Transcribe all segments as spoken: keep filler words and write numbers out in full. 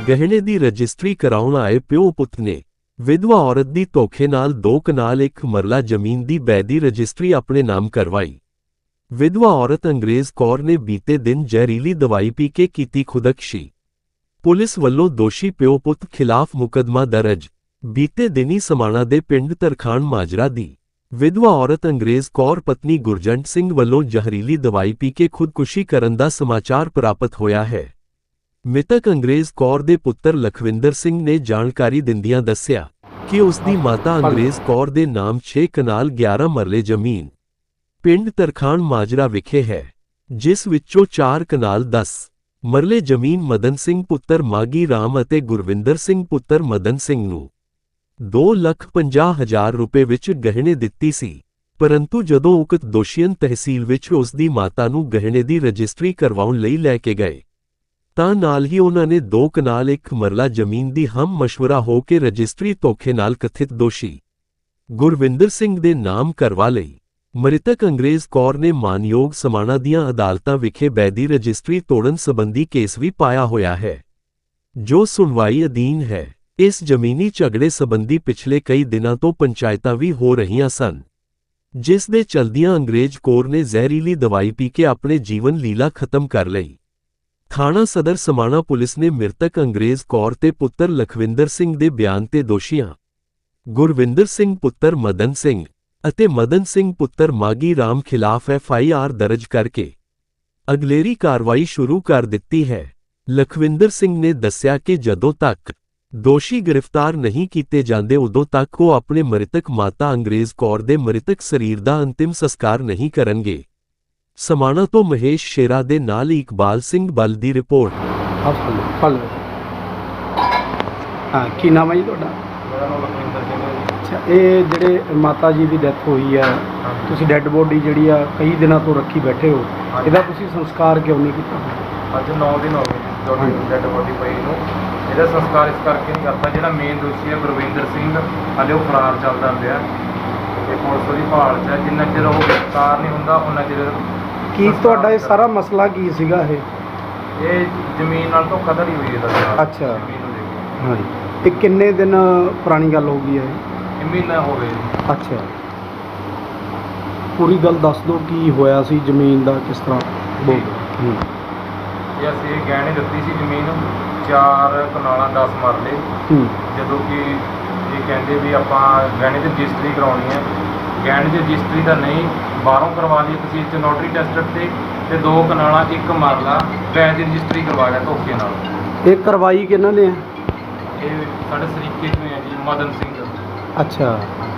ਗਹਿਣੇ ਦੀ ਰਜਿਸਟਰੀ ਕਰਾਉਣ ਆਏ ਪਿਓ ਪੁੱਤ ਨੇ ਵਿਧਵਾ ਔਰਤ ਦੀ ਧੋਖੇ ਨਾਲ ਦੋ ਕਨਾਲ ਇੱਕ ਮਰਲਾ ਜ਼ਮੀਨ ਦੀ ਬੈਦੀ ਰਜਿਸਟਰੀ ਆਪਣੇ ਨਾਮ ਕਰਵਾਈ। ਵਿਧਵਾ ਔਰਤ ਅੰਗਰੇਜ਼ ਕੌਰ ਨੇ ਬੀਤੇ ਦਿਨ ਜ਼ਹਿਰੀਲੀ ਦਵਾਈ ਪੀ ਕੇ ਕੀਤੀ ਖੁਦਕੁਸ਼ੀ। ਪੁਲਿਸ ਵੱਲੋਂ ਦੋਸ਼ੀ ਪਿਓ ਪੁੱਤ ਖਿਲਾਫ ਮੁਕੱਦਮਾ ਦਰਜ। ਬੀਤੇ ਦਿਨੀ ਸਮਾਣਾ ਦੇ ਪਿੰਡ ਤਰਖਾਣ ਮਾਜਰਾ ਦੀ ਵਿਧਵਾ ਔਰਤ ਅੰਗਰੇਜ਼ ਕੌਰ ਪਤਨੀ ਗੁਰਜੰਟ ਸਿੰਘ ਵੱਲੋਂ ਜ਼ਹਿਰੀਲੀ ਦਵਾਈ ਪੀ ਕੇ ਖੁਦਕੁਸ਼ੀ ਕਰਨ ਦਾ ਸਮਾਚਾਰ ਪ੍ਰਾਪਤ ਹੋਇਆ ਹੈ। ਮ੍ਰਿਤਕ ਅੰਗਰੇਜ਼ ਕੌਰ ਦੇ ਪੁੱਤਰ ਲਖਵਿੰਦਰ ਸਿੰਘ ਨੇ ਜਾਣਕਾਰੀ ਦਿੰਦਿਆਂ ਦੱਸਿਆ ਕਿ ਉਸ ਦੀ ਮਾਤਾ ਅੰਗਰੇਜ਼ ਕੌਰ ਦੇ ਨਾਮ ਛੇ ਕਨਾਲ ਗਿਆਰਾਂ ਮਰਲੇ ਜ਼ਮੀਨ ਪਿੰਡ ਤਰਖਾਣ ਮਾਜਰਾ ਵਿਖੇ ਹੈ, ਜਿਸ ਵਿੱਚੋਂ ਚਾਰ ਕਨਾਲ ਦਸ ਮਰਲੇ ਜ਼ਮੀਨ ਮਦਨ ਸਿੰਘ ਪੁੱਤਰ ਮਾਗੀ ਰਾਮ ਅਤੇ ਗੁਰਵਿੰਦਰ ਸਿੰਘ ਪੁੱਤਰ ਮਦਨ ਸਿੰਘ ਨੂੰ ਦੋ ਲੱਖ ਪੰਜਾਹ ਹਜ਼ਾਰ ਰੁਪਏ ਵਿੱਚ ਗਹਿਣੇ ਦਿੱਤੀ ਸੀ। ਪਰੰਤੂ ਜਦੋਂ ਉਕਤ ਦੋਸ਼ੀਆਂ ਤਹਿਸੀਲ ਵਿੱਚ ਉਸ ਦੀ ਮਾਤਾ ਨੂੰ ਗਹਿਣੇ ਦੀ ਰਜਿਸਟਰੀ ਕਰਵਾਉਣ ਲਈ ਲੈ ਕੇ ਗਏ ਤਾਂ ਨਾਲ ਹੀ ਉਹਨਾਂ ਨੇ ਦੋ ਕਨਾਲ ਇੱਕ ਮਰਲਾ ਜ਼ਮੀਨ ਦੀ ਹਮ ਮਸ਼ਵਰਾ ਹੋ ਕੇ ਰਜਿਸਟਰੀ ਧੋਖੇ ਨਾਲ ਕਥਿਤ ਦੋਸ਼ੀ ਗੁਰਵਿੰਦਰ ਸਿੰਘ ਦੇ ਨਾਮ ਕਰਵਾ ਲਈ। ਮ੍ਰਿਤਕ ਅੰਗਰੇਜ਼ ਕੌਰ ਨੇ ਮਾਨਯੋਗ ਸਮਾਣਾ ਦੀਆਂ ਅਦਾਲਤਾਂ ਵਿਖੇ ਬੈਦੀ ਰਜਿਸਟਰੀ ਤੋੜਨ ਸੰਬੰਧੀ ਕੇਸ ਵੀ ਪਾਇਆ ਹੋਇਆ ਹੈ, ਜੋ ਸੁਣਵਾਈ ਅਧੀਨ ਹੈ। ਇਸ ਜ਼ਮੀਨੀ ਝਗੜੇ ਸੰਬੰਧੀ ਪਿਛਲੇ ਕਈ ਦਿਨਾਂ ਤੋਂ ਪੰਚਾਇਤਾਂ ਵੀ ਹੋ ਰਹੀਆਂ ਸਨ, ਜਿਸ ਦੇ ਚਲਦਿਆਂ ਅੰਗਰੇਜ਼ ਕੌਰ ਨੇ ਜ਼ਹਿਰੀਲੀ ਦਵਾਈ ਪੀ ਕੇ ਆਪਣੇ ਜੀਵਨ ਲੀਲਾ ਖਤਮ ਕਰ ਲਈ। ਥਾਣਾ ਸਦਰ ਸਮਾਣਾ ਪੁਲਿਸ ਨੇ ਮ੍ਰਿਤਕ ਅੰਗਰੇਜ਼ ਕੌਰ ਤੇ ਪੁੱਤਰ ਲਖਵਿੰਦਰ ਸਿੰਘ ਦੇ ਬਿਆਨ ਤੇ ਦੋਸ਼ੀਆਂ ਗੁਰਵਿੰਦਰ ਸਿੰਘ ਪੁੱਤਰ ਮਦਨ ਸਿੰਘ ਅਤੇ ਮਦਨ ਸਿੰਘ ਪੁੱਤਰ ਮਾਗੀ ਰਾਮ ਖਿਲਾਫ ਐਫ ਆਈ ਆਰ ਦਰਜ ਕਰਕੇ ਅਗਲੇਰੀ ਕਾਰਵਾਈ ਸ਼ੁਰੂ ਕਰ ਦਿੱਤੀ ਹੈ। ਲਖਵਿੰਦਰ ਸਿੰਘ ਨੇ ਦੱਸਿਆ ਕਿ ਜਦੋਂ ਤੱਕ ਦੋਸ਼ੀ ਗ੍ਰਿਫਤਾਰ ਨਹੀਂ ਕੀਤੇ ਜਾਂਦੇ ਉਦੋਂ ਤੱਕ ਉਹ ਆਪਣੇ ਮ੍ਰਿਤਕ ਮਾਤਾ ਅੰਗਰੇਜ਼ ਕੌਰ ਦੇ ਮ੍ਰਿਤਕ ਸਰੀਰ ਦਾ ਅੰਤਿਮ ਸੰਸਕਾਰ ਨਹੀਂ ਕਰਨਗੇ। ਸਮਾਣਾ ਤੋਂ ਮਹੇਸ਼ ਸ਼ੇਰਾ ਦੇ ਨਾਲ ਇਕਬਾਲ ਸਿੰਘ ਬਲ ਦੀ ਰਿਪੋਰਟ। ਹਾਂ, ਕੀ ਨਾਮ ਹੈ ਜੀ ਤੁਹਾਡਾ? ਮੇਰਾ ਨਾਮ ਲਖਵਿੰਦਰ ਸਿੰਘ ਹੈ ਜੀ। ਅੱਛਾ, ਇਹ ਜਿਹੜੇ ਮਾਤਾ ਜੀ ਦੀ ਡੈਥ ਹੋਈ ਹੈ, ਤੁਸੀਂ ਡੈੱਡ ਬੋਡੀ ਜਿਹੜੀ ਆ ਕਈ ਦਿਨਾਂ ਤੋਂ ਰੱਖੀ ਬੈਠੇ ਹੋ, ਇਹਦਾ ਤੁਸੀਂ ਸੰਸਕਾਰ ਕਿਉਂ ਨਹੀਂ ਕੀਤਾ? ਅੱਜ ਨੌ ਦਿਨ ਹੋ ਗਏ ਤੁਹਾਡੀ ਡੈਡ ਬੋਡੀ ਪਈ ਨੂੰ। ਇਹਦਾ ਸੰਸਕਾਰ ਇਸ ਕਰਕੇ ਨਹੀਂ ਕਰਤਾ, ਜਿਹੜਾ ਮੇਨ ਦੋਸ਼ੀ ਹੈ ਗੁਰਵਿੰਦਰ ਸਿੰਘ ਹਾਲੇ ਉਹ ਫਰਾਰ ਚੱਲਦਾ ਪਿਆ ਤੇ ਪੁਲਿਸ ਉਹਦੀ ਭਾਲ 'ਚ ਹੈ। ਜਿੰਨਾ ਚਿਰ ਉਹ ਗ੍ਰਿਫਤਾਰ ਨਹੀਂ ਹੁੰਦਾ ਉਹਨਾਂ ਚਿਰ ਕੀ ਤੁਹਾਡਾ ਇਹ ਸਾਰਾ ਮਸਲਾ ਕੀ ਸੀਗਾ? ਇਹ ਇਹ ਜ਼ਮੀਨ ਨਾਲ ਧੋਖਾਧੜੀ ਹੋਈ ਹੈ ਸਰ। ਅੱਛਾ, ਜ਼ਮੀਨ ਨੂੰ ਲੈ ਕੇ। ਹਾਂਜੀ। ਇਹ ਕਿੰਨੇ ਦਿਨ ਪੁਰਾਣੀ ਗੱਲ ਹੋ ਗਈ ਹੈ? ਇਹ ਮਹੀਨਾ ਹੋ ਗਿਆ। ਅੱਛਾ, ਪੂਰੀ ਗੱਲ ਦੱਸ ਦਿਓ, ਕੀ ਹੋਇਆ ਸੀ ਜ਼ਮੀਨ ਦਾ, ਕਿਸ ਤਰ੍ਹਾਂ? ਬੋਲ। ਹੂੰ। ਇਹ ਅਸੀਂ ਗਹਿਣੇ ਦਿੱਤੀ ਸੀ ਜ਼ਮੀਨ, ਚਾਰ ਕਨਾਲਾਂ ਦਸ ਮਰਲੇ। ਹੂੰ। ਜਦੋਂ ਕਿ ਇਹ ਕਹਿੰਦੇ ਵੀ ਆਪਾਂ ਗਹਿਣੇ ਦੀ ਰਜਿਸਟਰੀ ਕਰਾਉਣੀ ਹੈ, ਗਹਿਣੇ ਦੀ ਰਜਿਸਟਰੀ ਤਾਂ ਨਹੀਂ, ਬਾਹਰੋਂ ਕਰਵਾ ਲਈ ਤੁਸੀਂ ਇੱਥੇ ਨੋਟਰੀ ਟੈਸਟਡ ਤੇ ਤੇ ਦੋ ਕਨਾਲਾਂ ਇੱਕ ਮਰਲਾ ਵੈਦ ਦੀ ਰਜਿਸਟਰੀ ਕਰਵਾ ਲਿਆ ਧੋਖੇ ਨਾਲ। ਇਹ ਕਰਵਾਈ ਕਿਹਨਾਂ ਨੇ? ਇਹ ਸਾਡੇ ਸਰੀਕੇ ਚੋਂ ਹੈ ਜੀ, ਮਦਨ ਸਿੰਘ। ਅੱਛਾ,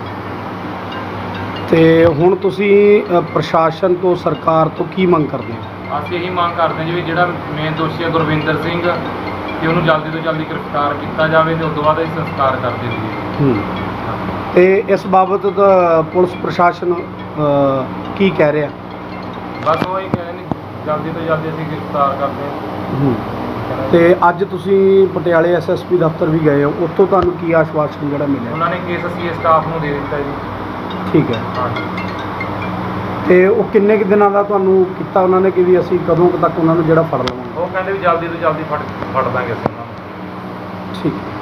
ਤੇ ਹੁਣ ਤੁਸੀਂ ਅ, ਪ੍ਰਸ਼ਾਸਨ ਤੋਂ, ਸਰਕਾਰ ਤੋਂ ਕੀ ਮੰਗ ਕਰਦੇ ਹੋ? ਅਸੀਂ ਇਹੀ ਮੰਗ ਕਰਦੇ ਹਾਂ ਜੀ ਵੀ ਜਿਹੜਾ ਮੇਨ ਦੋਸ਼ੀ ਹੈ ਗੁਰਵਿੰਦਰ ਸਿੰਘ ਕਿ ਉਹਨੂੰ ਜਲਦੀ ਤੋਂ ਜਲਦੀ ਗ੍ਰਿਫਤਾਰ ਕੀਤਾ ਜਾਵੇ ਤੇ ਉਸ ਤੋਂ ਬਾਅਦ ਇਹ ਸੰਸਕਾਰ ਕਰ ਦਿੱਤੀ। ਹੂੰ। ਤੇ ਇਸ ਬਾਬਤ ਦਾ ਪੁਲਿਸ ਪ੍ਰਸ਼ਾਸਨ ਅ, ਕੀ ਕਹਿ ਰਿਹਾ? ਬਸ ਉਹ ਹੀ ਕਹਿੰਦੇ ਨੇ ਜਲਦੀ ਤੋਂ ਜਲਦੀ ਅਸੀਂ ਗ੍ਰਿਫਤਾਰ ਕਰਦੇ ਹਾਂ। ਹੂੰ। ਤੇ ਅੱਜ ਤੁਸੀਂ ਪਟਿਆਲੇ ਐਸ ਐਸ ਪੀ ਦਫ਼ਤਰ ਵੀ ਗਏ ਹੋ, ਉੱਥੋਂ ਤੁਹਾਨੂੰ ਕੀ ਆਸ਼ਵਾਸਨ ਜਿਹੜਾ ਮਿਲਿਆ? ਉਹਨਾਂ ਨੇ ਕੇਸ ਅਸੀਂ ਸਟਾਫ ਨੂੰ ਦੇ ਦਿੱਤਾ ਜੀ। ਠੀਕ ਹੈ। ਹਾਂਜੀ। ਤੇ ਉਹ ਕਿੰਨੇ ਕੁ ਦਿਨਾਂ ਦਾ ਤੁਹਾਨੂੰ ਕੀਤਾ ਉਹਨਾਂ ਨੇ ਕਿ ਵੀ ਅਸੀਂ ਕਦੋਂ ਕੁ ਤੱਕ ਉਹਨਾਂ ਨੂੰ ਜਿਹੜਾ ਫੜ ਲਵਾਂਗੇ? ਉਹ ਕਹਿੰਦੇ ਵੀ ਜਲਦੀ ਤੋਂ ਜਲਦੀ ਫੜ ਫੜ ਦਾਂਗੇ ਅਸੀਂ ਉਹਨਾਂ ਨੂੰ। ਠੀਕ ਹੈ।